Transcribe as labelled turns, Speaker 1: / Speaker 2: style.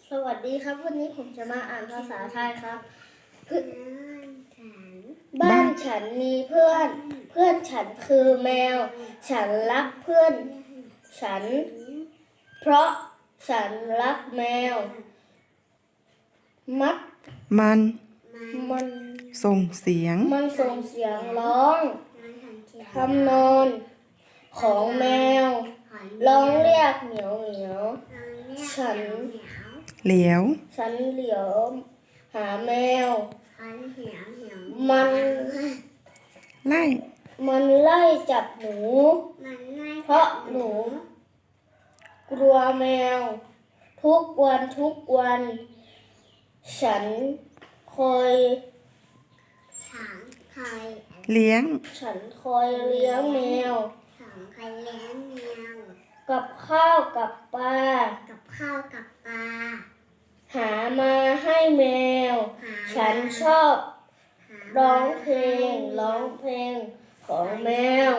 Speaker 1: สวัสดีครับวันนี้ผมจะมาอ่านภาษาไทยครับบ้านฉันมีเพื่อนเพื่อนฉันคือแมวฉันรักเพื่อนฉันเพราะฉันรักแมวมัน
Speaker 2: ส่งเสียง
Speaker 1: ร้องทำนองของแมวร้องเรียกเหมียวเหมียวฉันเหลียวหาแมวมันไล่จับหนูเพราะหนูกลัวแมวทุกวันฉันคอยเลี้ยงแมวกับข้าวกับปลาหามาให้แมวฉันชอบร้องเพลงของแมว